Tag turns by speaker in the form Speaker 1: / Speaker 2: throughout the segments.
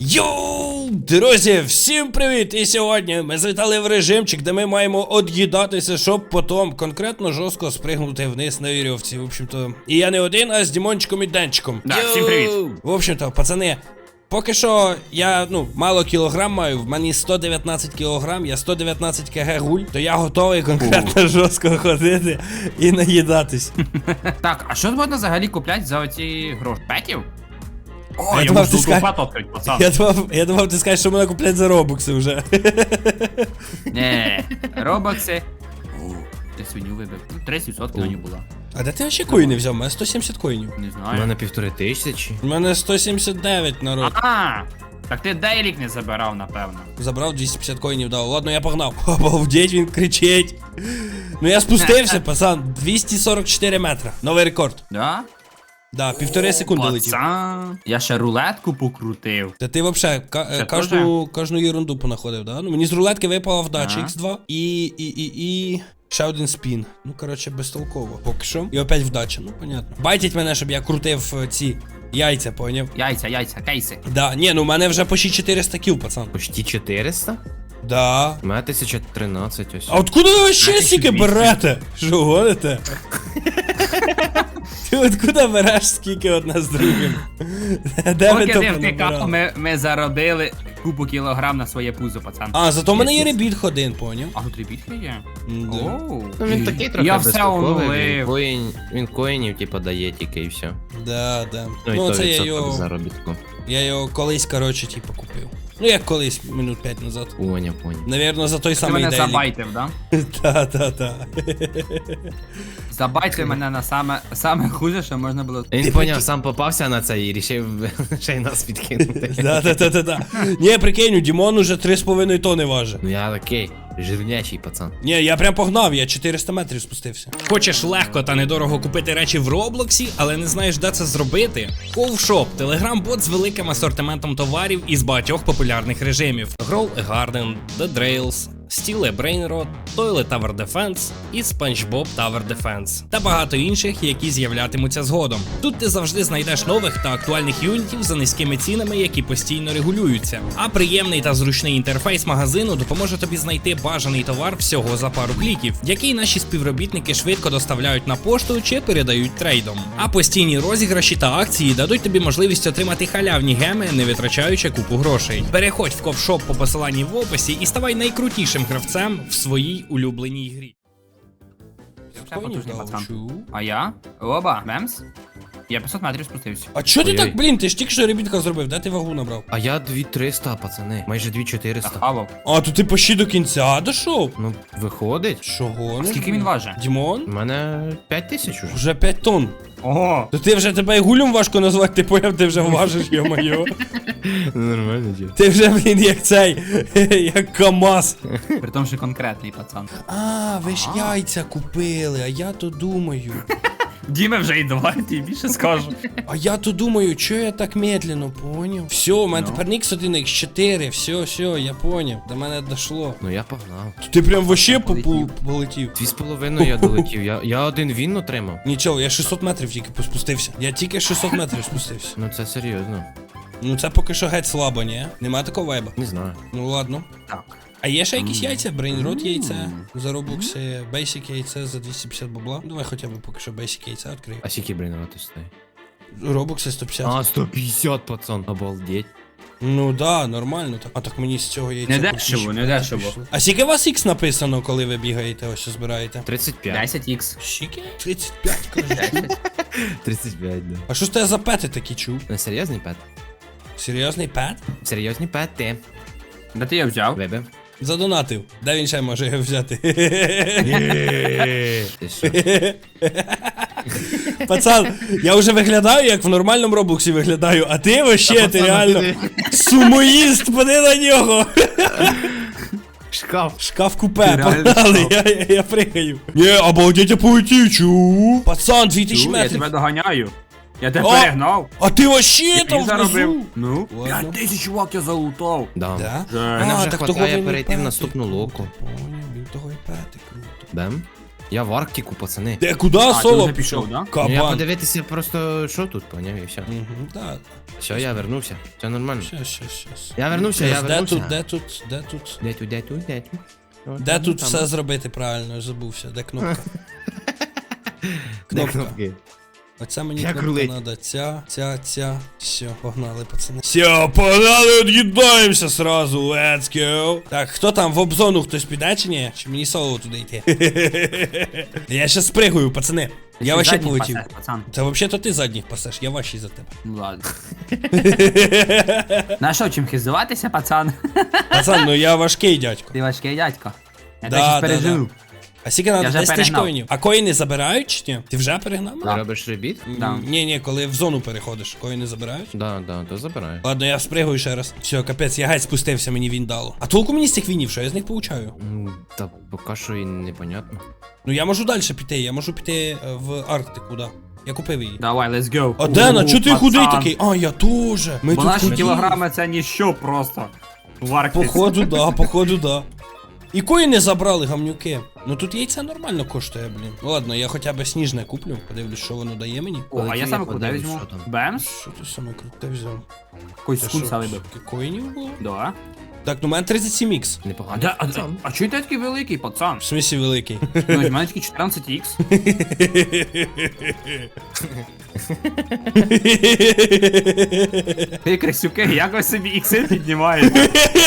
Speaker 1: Йоу, друзі, всім привіт! І сьогодні ми завітали в режимчик, де ми маємо од'їдатися, щоб потім конкретно жорстко спригнути вниз на вірьовці. В общем-то, і я не один, а з Дімончиком і Денчиком.
Speaker 2: Да, всім привіт!
Speaker 1: В общем-то, пацани, поки що я, мало кілограм маю, в мені 119 кілограм, я 119 кг гуль, то я готовий конкретно жорстко ходити і наїдатись.
Speaker 2: Так, а що можна взагалі купляти за оці гроші? Петів? О,
Speaker 1: Я
Speaker 2: я
Speaker 1: думав,
Speaker 2: можу
Speaker 1: ти скажеш-
Speaker 2: пат відкрити, пацан.
Speaker 1: Я думав, ти скажеш, що мене купляти за робокси вже.
Speaker 2: Не, робокси. Ти свиню вибив. 30% на нього було.
Speaker 1: А де ти ще коїни взяв? У мене 170 коїнів.
Speaker 2: Не
Speaker 3: У
Speaker 2: знаю.
Speaker 3: мене 1500.
Speaker 1: У мене 179 народ.
Speaker 2: Так ти дейлік не забирав, напевно.
Speaker 1: Забрав 250 коїнів, дав. Ладно, я погнав. Обалдеть, він кричить. Ну я спустився, пацан. 244 метра. Новий рекорд.
Speaker 2: Да?
Speaker 1: Да, 1,5 секунди летів.
Speaker 2: Пацан. Я ще рулетку покрутив.
Speaker 1: Та ти вообще
Speaker 2: Це
Speaker 1: кожну єрунду понаходив, да? Ну мені з рулетки випала вдача
Speaker 2: Ага.
Speaker 1: X2 і ще один спін. Ну, коротше, безтолково. Поки що. І опять вдача, ну понятно. Байтять мене, щоб я крутив ці яйця, поняв?
Speaker 2: Яйця, кейси.
Speaker 1: Да, ні, ну у мене вже почти 400 кіл, пацан.
Speaker 3: Почти 400?
Speaker 1: Да.
Speaker 3: У мене 1013 ось.
Speaker 1: А откуда ви ще
Speaker 2: А,
Speaker 1: стільки
Speaker 2: 1200.
Speaker 1: берете? Що гоните? Ти откуда береш скільки одне з другим? Де ви
Speaker 2: Поки
Speaker 1: то
Speaker 2: ти втикав,
Speaker 1: понабирали?
Speaker 2: ми заробили купу кілограм на своє пузо, пацан.
Speaker 1: А, зато в мене є ребіт ходин, поняв?
Speaker 2: А тут ребітка є?
Speaker 1: Да.
Speaker 2: Оу.
Speaker 3: Ну він такий трохи
Speaker 2: Я все
Speaker 3: безтолковий,
Speaker 2: онулив.
Speaker 3: він коїнів типа дає тільки і все.
Speaker 1: Да, да.
Speaker 3: Ну і
Speaker 1: Ну,
Speaker 3: то
Speaker 1: це я
Speaker 3: відсоток
Speaker 1: його,
Speaker 3: заробітку.
Speaker 1: колись, коротше, типу, купив. Ну, як колись, минут 5 назад.
Speaker 3: Поняв.
Speaker 1: Навірно, за той
Speaker 2: Ти
Speaker 1: самий
Speaker 2: мене
Speaker 1: дейлік.
Speaker 2: забайтив, да?
Speaker 1: Та.
Speaker 2: Забайтив мене на саме хуже, що можна було.
Speaker 3: Він поняв, сам попався на це і рішив ще й нас підкинути.
Speaker 1: Да. Ні, прикинь, у Дімон уже 3,5 тони важить.
Speaker 3: Ну я такий, жирнячий пацан.
Speaker 1: Ні, я прям погнав, я 400 метрів спустився.
Speaker 4: Хочеш легко та недорого купити речі в Роблоксі, але не знаєш, де це зробити? Ковшоп – телеграм-бот з великим асортиментом товарів із багатьох популярних режимів: Grow a Garden, The Drails, Steel a Brain Rot, Toilet Tower Defense і SpongeBob Tower Defense. Та багато інших, які з'являтимуться згодом. Тут ти завжди знайдеш нових та актуальних юнітів за низькими цінами, які постійно регулюються. А приємний та зручний інтерфейс магазину допоможе тобі знайти бажаний товар всього за пару кліків, який наші співробітники швидко доставляють на пошту чи передають трейдом. А постійні розіграші та акції дадуть тобі можливість отримати халявні геми, не витрачаючи купу грошей. Переходь в ковшоп по посиланні в описі і ставай найкрутішим гравцем в своїй улюбленій грі.
Speaker 2: Ще потужний
Speaker 1: дав,
Speaker 2: пацан.
Speaker 1: чу.
Speaker 2: А я? Оба, мемс? Я 500 метрів спустився.
Speaker 1: А чо ти
Speaker 3: Ой-ой.
Speaker 1: так, блін, ти ж тільки що ребітка зробив, де ти вагу набрав?
Speaker 3: А я 2300, пацани. Майже 2400.
Speaker 2: Захавав.
Speaker 1: А, то ти почти до кінця дійшов?
Speaker 3: Ну, виходить.
Speaker 1: Чого?
Speaker 2: Скільки він важить?
Speaker 1: Дімон?
Speaker 3: У мене 5000 уже.
Speaker 1: Вже 5 тонн.
Speaker 2: Ого!
Speaker 1: То ти вже тебе і гулем важко назвати, ти поняв, ти вже важиш, йо-моє.
Speaker 3: Нормально, дід.
Speaker 1: Ти вже, блін, як цей, як КамАЗ.
Speaker 2: При тому, що конкретний пацан.
Speaker 1: А, ви ж яйця купили, а я то думаю.
Speaker 2: Діме вже і давай, ти більше скажу.
Speaker 1: А я то думаю, чо я так медленно, поняв? Все, у мене
Speaker 2: Ну.
Speaker 1: тепер Nix 1, X4, все, я поняв. До мене дошло.
Speaker 3: Ну я погнав.
Speaker 1: То ти прям вообще
Speaker 2: Полетів.
Speaker 1: полетів.
Speaker 3: 2,5 я долетів. Я один він отримав.
Speaker 1: Нічого, я 600 метрів тільки спустився. Я тільки 600 метрів спустився.
Speaker 3: Ну це серйозно.
Speaker 1: Ну це поки що геть слабо, ні? Нема такого вайба.
Speaker 3: Не знаю.
Speaker 1: Ну ладно.
Speaker 2: Так.
Speaker 1: А є ще якісь яйця? Брейнрот яйце за робокси, Basic яйце за 250 бабла. Давай хоча б поки що Basic яйце відкрию.
Speaker 3: А скільки брейнувати стоїть?
Speaker 1: Робокси 150.
Speaker 3: А, 150, пацан. Обалдеть.
Speaker 1: Ну да, нормально так. А так мені з цього яйця.
Speaker 2: Не
Speaker 1: хоч
Speaker 2: дешево,
Speaker 1: більше
Speaker 2: не дешево.
Speaker 1: пішло. А скільки у вас X написано, коли ви бігаєте, ось що збираєте?
Speaker 3: 35.
Speaker 2: 10х.
Speaker 1: Скільки? 35, кажу.
Speaker 3: 35, да.
Speaker 1: А що ж це за пети такі чув?
Speaker 3: Не серйозний пет?
Speaker 1: Серйозний пет?
Speaker 3: Серйозні пети.
Speaker 2: Де ти його взяв?
Speaker 3: Вибив.
Speaker 1: Задонатив. Де він ще може його взяти?
Speaker 3: Ти що?
Speaker 1: Пацан, я вже виглядаю, як в нормальному Роблоксі виглядаю, а ти вообще, ти реально сумоїст, поди на нього.
Speaker 3: Шкаф.
Speaker 1: Шкаф купе,
Speaker 2: Ти реально
Speaker 1: погнали, я пригаю. Ні, обалдеть, я полетів, чу. Пацан, 2000
Speaker 2: Я
Speaker 1: метрів.
Speaker 2: тебе доганяю. Я тебе
Speaker 1: О!
Speaker 2: перегнав.
Speaker 1: А ти вообще там
Speaker 2: Я заробив.
Speaker 1: внизу.
Speaker 2: Ну?
Speaker 1: Ладно.
Speaker 2: 5000 чувак я залутав.
Speaker 3: Да.
Speaker 1: Да?
Speaker 2: Вже.
Speaker 3: Мене
Speaker 1: А,
Speaker 3: вже
Speaker 1: так
Speaker 3: хватає
Speaker 1: того він і
Speaker 3: перейти в
Speaker 1: пети.
Speaker 3: наступну локу.
Speaker 1: Поняв, він того і пети, круто.
Speaker 3: Бем. Я в Арктику, пацани.
Speaker 1: Де, куди
Speaker 2: ти
Speaker 1: соло
Speaker 2: вже пішов, да?
Speaker 3: Ну, я
Speaker 1: Кабан.
Speaker 3: подивитися просто, що тут, поняв, і все.
Speaker 1: Мгм, так.
Speaker 3: Все, я вернувся. Все нормально.
Speaker 1: Щас.
Speaker 3: Я вернувся, я
Speaker 1: Де
Speaker 3: вернувся.
Speaker 1: тут?
Speaker 3: Де тут? От
Speaker 1: Де
Speaker 3: там,
Speaker 1: тут
Speaker 3: там.
Speaker 1: все зробити правильно, я забувся, де кнопка?
Speaker 3: Де
Speaker 1: Кнопка.
Speaker 3: кнопки?
Speaker 1: Оця мені
Speaker 3: Як
Speaker 1: кнопка
Speaker 3: рулить?
Speaker 1: надо, ця. Все, погнали, пацани. Все, погнали, від'їдаємося сразу, let's go. Так, хто там, в обзону хтось піде чи ні? Чи мені соло туди йти? Я щас спригую, пацани. Я вообще
Speaker 2: Задній
Speaker 1: полетів.
Speaker 2: пасеш, пацан.
Speaker 1: Та взагалі-то ти задніх пасеш, я ваший за тебе.
Speaker 2: Ну ладно. На що, чим хизуватися, пацан?
Speaker 1: Пацан, ну я важкий дядько.
Speaker 2: Ти важкий дядько. Я
Speaker 1: Да,
Speaker 2: так
Speaker 1: да,
Speaker 2: щось пережив.
Speaker 1: А скільки надо?
Speaker 2: вже
Speaker 1: 10 тисяч
Speaker 2: перегнав.
Speaker 1: коїнів. А коїни забирають чи ні? Ти вже перегнав?
Speaker 3: Ти робиш ребіт?
Speaker 2: Да.
Speaker 1: Ні, коли в зону переходиш, коїни забирають.
Speaker 3: Да, то забираю.
Speaker 1: Ладно, я спригую ще раз. Все, капець, я геть спустився, мені він дало. А толку мені з цих вінів, що я з них получаю?
Speaker 3: Та поки що і непонятно.
Speaker 1: Ну я можу далі піти, я можу піти в Арктику, да. Я купив її.
Speaker 2: Давай, let's go.
Speaker 1: А Дена, чо ти
Speaker 2: Пацан.
Speaker 1: худий такий? А, я теж. Ми
Speaker 2: Бо
Speaker 1: тут
Speaker 2: наші
Speaker 1: худі.
Speaker 2: кілограми це ніщо просто. В Арктиці.
Speaker 1: Походу, да. І коїни забрали, гамнюки. Ну тут яйця нормально коштує, блін. Ну ладно, я хоча б сніжне куплю, подивлюсь, що воно дає мені.
Speaker 2: О, а я
Speaker 3: Полетів,
Speaker 2: саме
Speaker 3: я
Speaker 2: куди
Speaker 3: подивлюсь,
Speaker 2: візьму?
Speaker 3: що там.
Speaker 2: Бемс?
Speaker 1: Що ти саме круте взяв?
Speaker 2: Якийсь
Speaker 1: Це
Speaker 2: скунса
Speaker 1: що,
Speaker 2: вибив.
Speaker 1: скільки коїнів було?
Speaker 2: Да.
Speaker 1: Так, ну у мене 37 ікс.
Speaker 3: Непогано.
Speaker 2: А чого ти такий великий, пацан?
Speaker 1: В смислі великий.
Speaker 2: Ну, в мене тільки 14х. Ти, красюки, як ви собі ікси піднімаєте?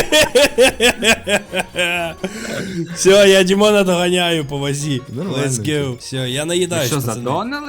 Speaker 1: Все, я Дімона доганяю по вазі.
Speaker 3: Нормально.
Speaker 1: Let's go. Все, я наїдаюсь,
Speaker 2: Що,
Speaker 1: пацани.
Speaker 2: задонали?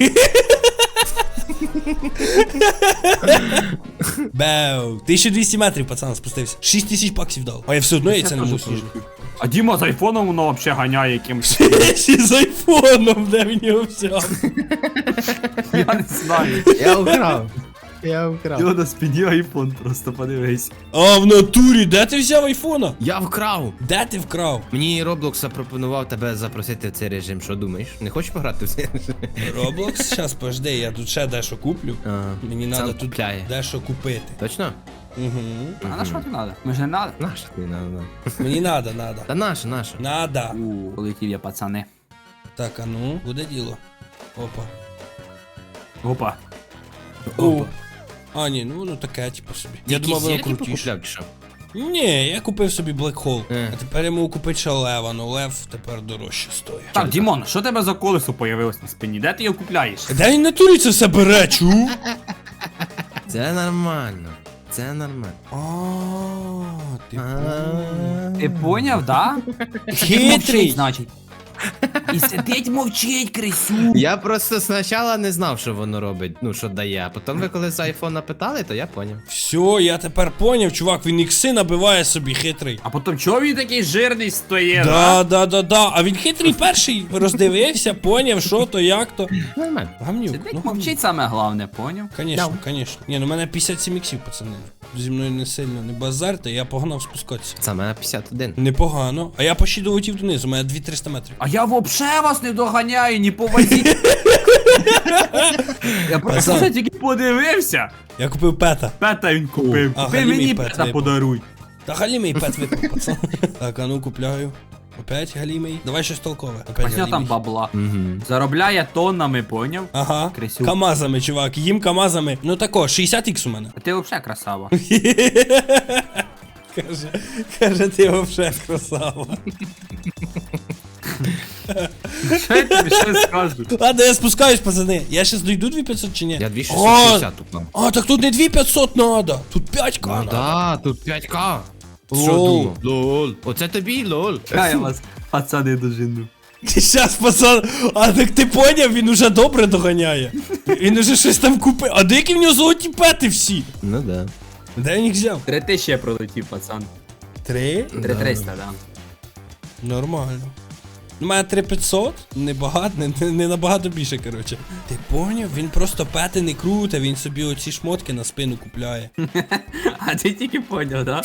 Speaker 1: Беу. 1200 метрів, пацан, спустився. 6000 баксів дав. А я все одно яйця не можу сніжити.
Speaker 2: А Діма з айфоном воно взагалі ганяє якимось.
Speaker 1: Ще з айфоном, де в нього взяв.
Speaker 2: Я не знаю.
Speaker 3: Я украв. Я украв.
Speaker 2: Діма на спині айфон, просто подивись.
Speaker 1: А в натурі, де ти взяв айфона?
Speaker 3: Я вкрав.
Speaker 1: Де ти вкрав?
Speaker 3: Мені Roblox запропонував тебе запросити в цей режим. Що думаєш? Не хочеш пограти в цей режим?
Speaker 1: Роблокс, щас пожди, я тут ще дещо куплю. Мені
Speaker 3: Сам
Speaker 1: треба тут
Speaker 3: купляє.
Speaker 1: дещо купити.
Speaker 3: Точно?
Speaker 1: Угу.
Speaker 2: А на що ти надо? Ми ж не надо.
Speaker 3: Наша ти надо.
Speaker 1: Мені надо.
Speaker 3: Та наша.
Speaker 1: Надо.
Speaker 2: Полетів я, пацани.
Speaker 1: Так, а ну, буде діло. Опа.
Speaker 2: Опа.
Speaker 1: Опа. А, ні, ну воно таке, типу собі. Я думав, воно крутіше.
Speaker 3: Купляв, чи що?
Speaker 1: Ні, я купив собі Black Hole.
Speaker 3: Е.
Speaker 1: А тепер я можу купити ще лева, ну лев тепер дорожче стоїть.
Speaker 2: Так, Дімон, що тебе за колесо появилось на спині? Де ти його купляєш?
Speaker 1: Де він на турі це все бере, чу?
Speaker 3: Це нормально. Це нормально.
Speaker 1: А, ти
Speaker 2: Ти поняв, да?
Speaker 1: Хитрий.
Speaker 2: Мовчить, значить. І сидить мовчить, крисю.
Speaker 3: Я просто спочатку не знав, що воно робить, ну що дає, а потім ви коли з айфона питали, то я поняв.
Speaker 1: Все, я тепер поняв, чувак, він ікси набиває собі хитрий.
Speaker 2: А потім чого він такий жирний стоїть?
Speaker 1: Да. А він хитрий перший роздивився, поняв, що то, як то.
Speaker 3: Нормально.
Speaker 1: Гамнюк.
Speaker 2: Сидить мовчить саме головне, поняв?
Speaker 1: Конечно. Ні, ну в мене 57 іксів, пацани. Зі мною не сильно не базарте, я погнав спускатися.
Speaker 3: Це мене 51.
Speaker 1: Непогано. А я почти долетів донизу, у мене 200-300 метрів.
Speaker 2: А я вообще вас не доганяю, ні по вазі. Я просто
Speaker 1: Пацан.
Speaker 2: тільки подивився.
Speaker 1: Я купив пета.
Speaker 2: Пета він купив.
Speaker 1: А,
Speaker 2: Купи
Speaker 1: Галімий
Speaker 2: мені
Speaker 1: пет
Speaker 2: пета
Speaker 1: випав.
Speaker 2: подаруй.
Speaker 1: Та галімий пет випав, пацан. Так, а ну купляю. Опять галімий. Давай щось толкове. Опять
Speaker 2: Ось там
Speaker 1: галімий.
Speaker 2: бабла.
Speaker 3: Угу.
Speaker 2: Заробляє тоннами, поняв?
Speaker 1: Ага.
Speaker 2: Крисюк.
Speaker 1: Камазами, чувак, їм камазами. Ну тако, 60 ікс у мене.
Speaker 2: А ти взагалі красава.
Speaker 1: Каже, ти вообще красава.
Speaker 2: Що я тобі щось скажу?
Speaker 1: Ладно, я спускаюсь, пацани. Я щас дойду 2500 чи ні?
Speaker 3: Я 2660 уклав.
Speaker 1: А, так тут не 2500 надо. Тут 5к
Speaker 3: Ну
Speaker 1: надо.
Speaker 3: да, тут 5к.
Speaker 1: Лол.
Speaker 3: Що думав? Лол. Оце тобі, лол.
Speaker 2: Я вас, пацани, дожину.
Speaker 1: Щас, пацан, а так ти поняв, він уже добре доганяє. Він уже щось там купив. А деякі в нього золоті пети всі.
Speaker 3: Ну да.
Speaker 1: Де він їх взяв?
Speaker 2: 3000 я пролетів, пацан.
Speaker 1: 3?
Speaker 2: 3300, да.
Speaker 1: Нормально. У мене 3500, небагато, не набагато більше, коротше. Ти поняв? Він просто пети не круте, він собі оці шмотки на спину купляє.
Speaker 2: А ти тільки поняв, да?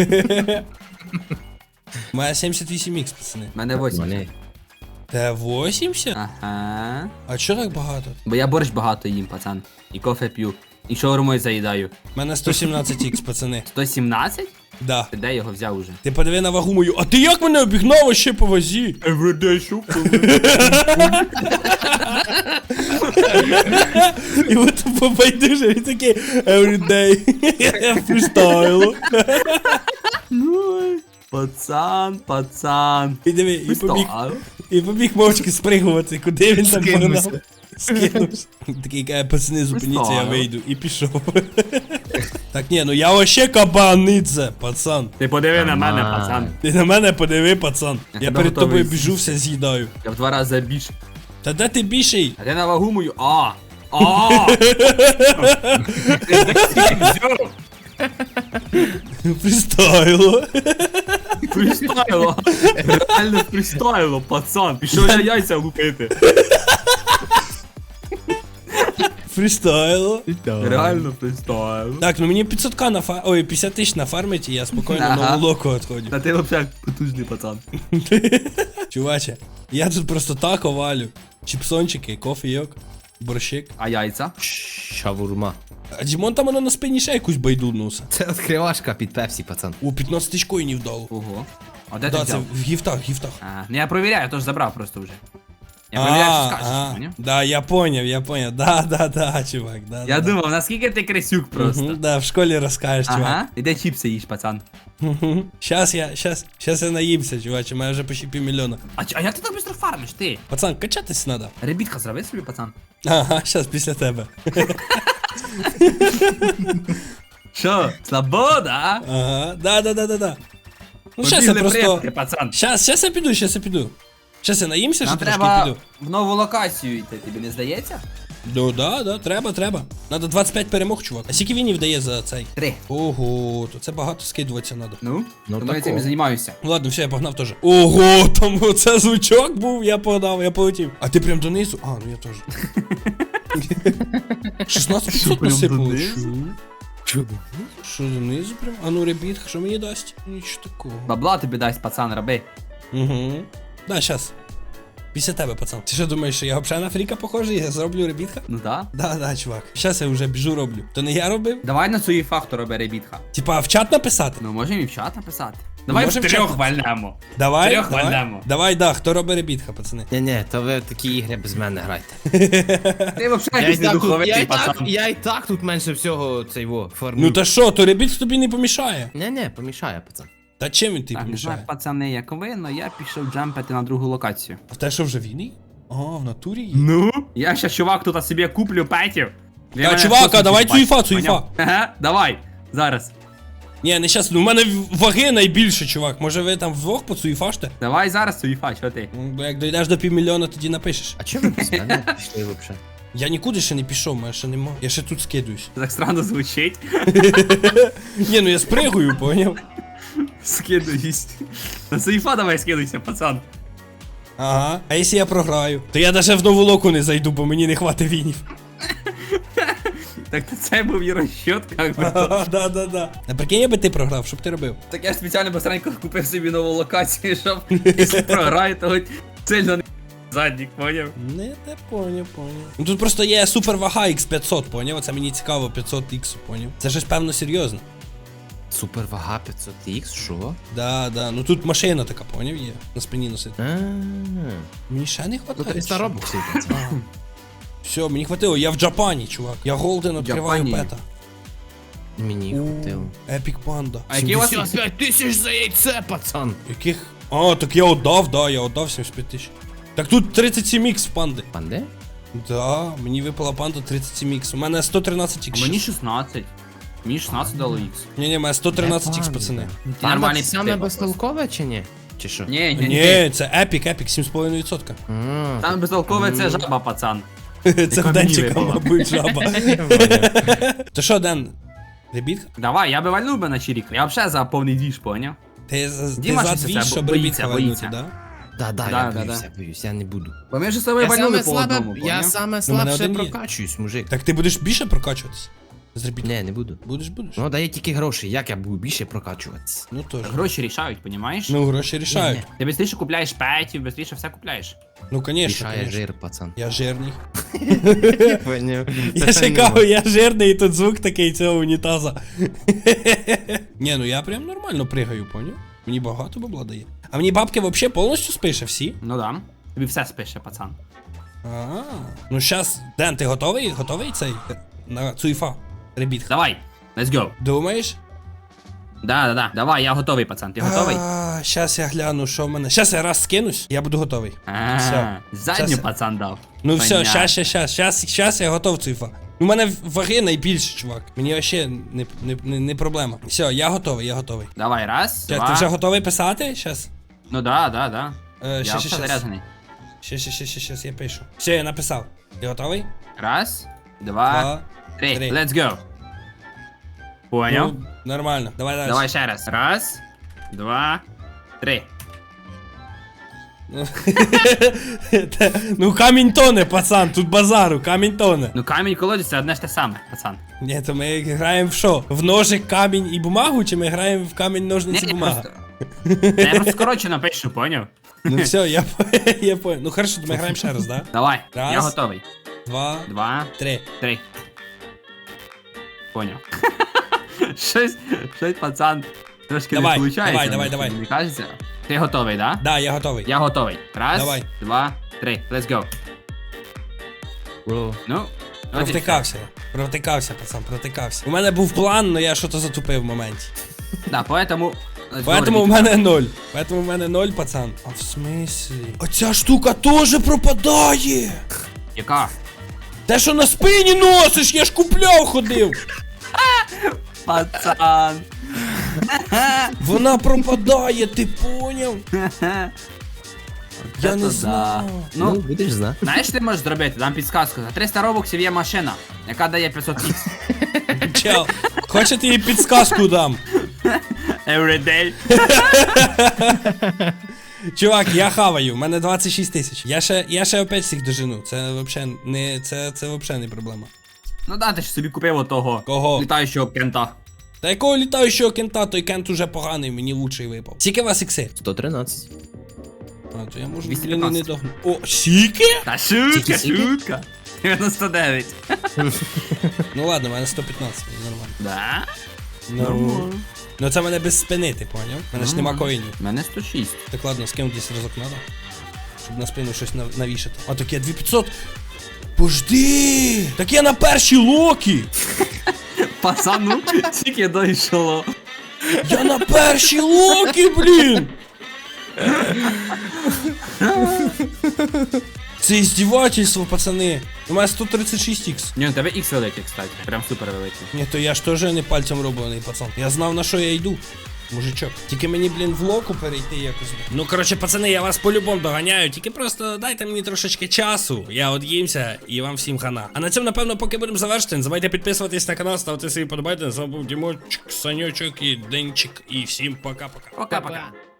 Speaker 1: У мене 78х, пацани.
Speaker 2: У мене 8.
Speaker 3: Вони.
Speaker 1: Те 80?
Speaker 2: Ага.
Speaker 1: А чо так багато?
Speaker 2: Бо я борщ багато їм, пацан. І кофе п'ю. І шаурмою заїдаю.
Speaker 1: У мене 117х, пацани.
Speaker 2: 117?
Speaker 1: Да.
Speaker 2: Ти де його взяв уже?
Speaker 1: Ти подиви на вагу мою. А ти як мене обігнав ще по вазі?
Speaker 2: Everyday shopping.
Speaker 1: І от побайдуже, він такий everyday. Фрістайло.
Speaker 2: Пацан.
Speaker 1: І диви, і побіг мовчки спригувати, куди він там погнав. Скинувся. Такий каже, пацани, зупиніться, я вийду. І пішов. Так ні, ну я вообще кабаниця, пацан.
Speaker 2: Ти подиви на мене, пацан.
Speaker 1: Ти на мене подиви, пацан. Я
Speaker 2: тебе
Speaker 1: перед
Speaker 2: готовий
Speaker 1: тобою
Speaker 2: з'їсти.
Speaker 1: біжу, все з'їдаю.
Speaker 2: Я в 2 рази більше.
Speaker 1: Та де ти більший?
Speaker 2: А ти на вагу мою. Ти де стільки взяв?
Speaker 1: Фрістайло.
Speaker 2: Фрістайло. Реально фрістайло, пацан. Пішов я яйця лупити.
Speaker 1: Фрістайло.
Speaker 2: Реально фрістайло.
Speaker 1: Так, ну мені 500к ой, 50 тисяч нафармить, і я спокійно
Speaker 2: Ага.
Speaker 1: нову локу відходжу.
Speaker 2: Та ти взагалі потужний пацан.
Speaker 1: Чуваче, я тут просто так овалю. Чіпсончики, кофійок, борщик.
Speaker 2: А яйця?
Speaker 3: Шавурма.
Speaker 1: А Дімон там воно на спині ще якусь байдуднуса.
Speaker 3: Це відкривашка під пепсі, пацан.
Speaker 1: О, 15 тисяч коїнів дало.
Speaker 2: Ого. А де ти
Speaker 1: Да, це
Speaker 2: взяв?
Speaker 1: в гіфтах, гіфтах.
Speaker 2: Ну я провіряю, то ж забрав просто вже. Я провіряю, що скажеш, поняв?
Speaker 1: Да, я поняв. Да, чувак, да.
Speaker 2: Я
Speaker 1: да.
Speaker 2: думав, наскільки ти крисюк просто.
Speaker 1: Мгм, да, в школі розкажеш, чувак.
Speaker 2: Ага, іде чіпси їж, пацан.
Speaker 1: Мгм. Щас я наїмся, чуваче, у мене вже почти півмільйона.
Speaker 2: А як ти так швидко фармиш, ти?
Speaker 1: Пацан, качатись надо.
Speaker 2: Ребітка зроби собі, пацан.
Speaker 1: Ага, щас після тебе.
Speaker 2: Що, слабо, да?
Speaker 1: Ага, да. Ну щас я
Speaker 2: Побігли
Speaker 1: просто...
Speaker 2: предки, пацан.
Speaker 1: Щас я піду. Щас я наїмся,
Speaker 2: Нам
Speaker 1: що трошки
Speaker 2: треба
Speaker 1: піду.
Speaker 2: в нову локацію йти, тобі не здається?
Speaker 1: Ну да, треба. Надо 25 перемог, чувак. А скільки він дає за цей?
Speaker 2: 3.
Speaker 1: Ого, то це багато скидуватися надо.
Speaker 2: Ну,
Speaker 3: Ну,
Speaker 2: тому я цим
Speaker 3: такого.
Speaker 2: і займаюся.
Speaker 1: Ладно, все, я погнав теж. Ого, там оце звучок був, я погнав, я полетів. А ти прям донизу? А, ну я теж. 16
Speaker 2: прям
Speaker 1: насипало.
Speaker 2: донизу?
Speaker 1: Що донизу прям? А ну ребіт, що мені дасть? Нічого такого.
Speaker 2: Бабла тобі дасть, пацан, роби.
Speaker 1: Угу. Да, щас. Після тебе, пацан. Ти що думаєш, що я взагалі на фріка похожий? Я зроблю ребітка?
Speaker 2: Ну да.
Speaker 1: Да, чувак. Щас я вже біжу роблю. То не я робив?
Speaker 2: Давай на свої факту роби ребітха.
Speaker 1: Типа в чат написати?
Speaker 2: Ну, можемо і в чат написати. Давай в
Speaker 1: можемо в
Speaker 2: трьох
Speaker 1: чат.
Speaker 2: вальнемо.
Speaker 1: Давай,
Speaker 2: Трьох вальнемо.
Speaker 1: Давай, да, хто робить ребітка, пацани.
Speaker 3: Ні, то ви такі ігри без мене грайте.
Speaker 2: Ти взагалі якийсь недуховитий, пацан.
Speaker 3: Я і так тут менше всього цей форму.
Speaker 1: Ну та що, то ребіт тобі не помішає.
Speaker 3: Ні, помішає, пацан.
Speaker 1: Та чим він тобі
Speaker 2: Так, не знаю,
Speaker 1: помішає?
Speaker 2: пацани, як ви, но я пішов джампити на другу локацію.
Speaker 1: А в те що вже війний? А, в натурі є.
Speaker 2: Ну? Я ще, чувак, тут собі куплю петів. Ви
Speaker 1: Та,
Speaker 2: мене
Speaker 1: чувак,
Speaker 2: просто
Speaker 1: а давай
Speaker 2: чіпать,
Speaker 1: цуїфа.
Speaker 2: поняв? Ага, давай, зараз.
Speaker 1: Ні, не щас, ну в мене ваги найбільше, чувак. Може ви там вдвох поцуїфаште?
Speaker 2: Давай зараз цуїфа, що ти?
Speaker 1: Ну, бо як дійдеш до півмільйона, тоді напишеш.
Speaker 3: А чого ви без мене пішли взагалі?
Speaker 1: Я нікуди ще не пішов, мене ще нема. Я ще тут скидуюсь.
Speaker 2: Так странно звучить.
Speaker 1: Ні, ну я спригую, поняв?
Speaker 2: Скидуюсь. На цуїфа давай скидуйся, пацан.
Speaker 1: Ага. А якщо я програю? То я навіть в нову локу не зайду, бо мені не хватить вінів.
Speaker 2: Так це був і розчет, як би то.
Speaker 1: Да. А прикинь, я би ти програв, що б ти робив?
Speaker 2: Так я ж спеціально быстренько купив собі нову локацію, щоб якщо програю, то хоч сильно не заднік, поняв?
Speaker 1: Не поняв. Ну тут просто є супер вага X500, поняв? Це мені цікаво, 500X, поняв? Це щось певно серйозно.
Speaker 3: Супер вага 500X, що?
Speaker 1: Да. Ну тут машина така, поняв, є. На спині носить. Мені ще не
Speaker 3: Ну
Speaker 1: хватає.
Speaker 3: 300 робоксів, пацан.
Speaker 1: Все, мені хватило, я в Джапані, чувак. Я голден відкриваю
Speaker 2: Джапані?
Speaker 1: пета.
Speaker 3: Мені хватило.
Speaker 1: Епік панда.
Speaker 2: А який у вас
Speaker 3: 75 тисяч за яйце, пацан!
Speaker 1: Яких? А, так я отдав, да, я отдав 75 тисяч. Так тут 37X в панди.
Speaker 3: Панде?
Speaker 1: Да, мені випала панда 37X. У мене 113
Speaker 2: А
Speaker 1: X.
Speaker 2: мені 16. Мені 16 дало ікс.
Speaker 1: Ні, у мене 113 X,
Speaker 3: Панда.
Speaker 1: пацани.
Speaker 2: Ти нормальний
Speaker 3: саме
Speaker 2: типа
Speaker 3: безтолкове чи ні? Чи що?
Speaker 2: Ні,
Speaker 1: Ні, це епік, 7,5%.
Speaker 2: Там безтолкове це жаба, пацан.
Speaker 1: Це в Денчика, мабуть, жаба. То що, Ден? Ребітка?
Speaker 2: Давай, я би вальнув би на чирік. Я взагалі за повний двіж, поняв?
Speaker 1: Ти за
Speaker 2: Діма щось
Speaker 1: дві,
Speaker 2: це
Speaker 1: щоб
Speaker 2: боїться,
Speaker 1: ребітка вальнути,
Speaker 2: боїться.
Speaker 1: да?
Speaker 3: Да,
Speaker 2: Да,
Speaker 3: я боюсь, я не буду.
Speaker 2: Бо ми ж з тобою
Speaker 3: Я
Speaker 2: вальнули
Speaker 3: саме
Speaker 2: по одному,
Speaker 3: слабе,
Speaker 2: поняв?
Speaker 3: я саме
Speaker 1: Ну, мене
Speaker 3: слабше
Speaker 1: один є.
Speaker 3: прокачуюсь, мужик.
Speaker 1: Так ти будеш більше прокачуватися? Зробіть.
Speaker 3: Ні, не буду.
Speaker 1: Будеш?
Speaker 3: Ну, дає тільки гроші, як я буду більше прокачуватися?
Speaker 1: Ну теж.
Speaker 2: Гроші рішають, понімаєш?
Speaker 1: Ну, гроші рішають.
Speaker 2: Ти швидше купляєш петів, швидше все купляєш.
Speaker 1: Ну, конечно,
Speaker 3: Рішає
Speaker 1: конечно.
Speaker 3: жир, пацан.
Speaker 1: Я жирний.
Speaker 3: Поняв.
Speaker 1: Я чекав, я жирний, і тут звук такий цього унітаза. Ні, ну я прям нормально пригаю, поняв? Мені багато бабла дає. А мені бабки вообще повністю спише всі?
Speaker 2: Ну да. Тобі все спише, пацан.
Speaker 1: Ну щас, Ден, ти готовий? Готовий цей? На цуйфа. Ребіт.
Speaker 2: Давай, let's go.
Speaker 1: Думаєш?
Speaker 2: Да. Давай, я готовий, пацан. Ти готовий?
Speaker 1: Щас я гляну, що в мене. Щас я раз скинусь, я буду готовий. Все.
Speaker 2: Задню
Speaker 1: Щас-
Speaker 2: пацан дав.
Speaker 1: Ну все,
Speaker 2: Понятно.
Speaker 1: щас я готов, цуйфа. У мене ваги найбільше, чувак. Мені вообще не проблема. Все, я готовий.
Speaker 2: Давай, раз,
Speaker 1: Щас,
Speaker 2: два.
Speaker 1: ти вже готовий писати? Щас.
Speaker 2: Ну да. Я
Speaker 1: Щас,
Speaker 2: все
Speaker 1: щас.
Speaker 2: заряджений.
Speaker 1: Щас, я пишу. Все, я написав. Ти готовий?
Speaker 2: Раз, два, три.
Speaker 1: три.
Speaker 2: Let's go. Понял?
Speaker 1: Ну, нормально. Давай далі.
Speaker 2: Давай ще раз. Раз, два, три.
Speaker 1: Ну камінь тоне, пацан, тут базару, камінь тоне.
Speaker 2: Ну камінь колодязь це одне ж те саме, пацан.
Speaker 1: Ні, то ми граємо в що? В ножик, камінь і бумагу, чи ми граємо в камінь, ножниці, бумага?
Speaker 2: Просто... Я просто скорочено пишу, поняв?
Speaker 1: Ну все, я понял. Ну хорошо, то ми граємо ще раз, да?
Speaker 2: Давай,
Speaker 1: Раз.
Speaker 2: я готовий.
Speaker 1: Два,
Speaker 2: 3.
Speaker 1: три.
Speaker 2: Поняв. щось, пацан, трошки
Speaker 1: Давай,
Speaker 2: не виходить.
Speaker 1: давай.
Speaker 2: Мені кажеться. Ти готовий, да?
Speaker 1: Да, я готовий.
Speaker 2: Я готовий. Раз,
Speaker 1: Давай.
Speaker 2: два, три. Let's go.
Speaker 3: Бро.
Speaker 2: Ну,
Speaker 1: Провтикався, пацан, провтикався. У мене був план, але я щось затупив в моменті.
Speaker 2: да, поэтому...
Speaker 1: Поэтому у мене 0, пацан. А в смислі? Оця штука теж пропадає.
Speaker 2: Яка?
Speaker 1: Те, що на спині носиш, я ж купляв, ходив.
Speaker 2: Пацан.
Speaker 1: Вона пропадає, ти поняв? Я
Speaker 2: Це
Speaker 1: не
Speaker 2: то
Speaker 1: знав.
Speaker 3: Ну,
Speaker 2: Ну,
Speaker 3: будеш знати.
Speaker 2: знаєш, що ти можеш зробити? Дам підсказку. За 300 робоксів є машина, яка дає 500х.
Speaker 1: Чел, хочете їй підсказку дам?
Speaker 2: Every day.
Speaker 1: Чувак, я хаваю, в мене 26 тисяч. Я ще опять всіх дожену. Це вообще не, це вообще не проблема.
Speaker 2: Ну да, ти ж собі купив отого.
Speaker 1: Кого?
Speaker 2: Літаючого кента.
Speaker 1: Та якого літаючого кента, той кент уже поганий, мені лучший випав. Скільки у вас ікси?
Speaker 3: 113.
Speaker 1: А, то я можу,
Speaker 2: 215.
Speaker 1: блін, і не догну. О, скільки?
Speaker 2: Та шутка,
Speaker 3: Скільки?
Speaker 2: шутка. 99.
Speaker 1: Ну ладно, в мене 115, нормально.
Speaker 2: Да?
Speaker 1: Ну це мене без спини, ти поняв? У мене ж нема коїнів.
Speaker 2: У мене 106.
Speaker 1: Так ладно, скинути десь разок надо. Щоб на спину щось навішати. А так я 2500. Пожди! Так я на першій локі!
Speaker 2: Пацану, тільки дійшло.
Speaker 1: Я на першій локі, блін! Це іздівательство, пацани. У мене 136х.
Speaker 2: Ні, у тебе X великий, кстати. Прям супер великий.
Speaker 1: Ні, то я ж теж не пальцем роблений, пацан. Я знав, на що я йду. Мужичок. Тільки мені, блін, в локу перейти якось. Ну, коротше, пацани, я вас по-любому доганяю. Тільки просто дайте мені трошечки часу. Я од'їмся і вам всім хана. А на цьому, напевно, поки будемо завершити. Не забувайте підписуватись на канал, ставте свої подобайки. З вами був Дімочок, Санючок і Денчик. І всім пока-пока.
Speaker 2: Пока-пока.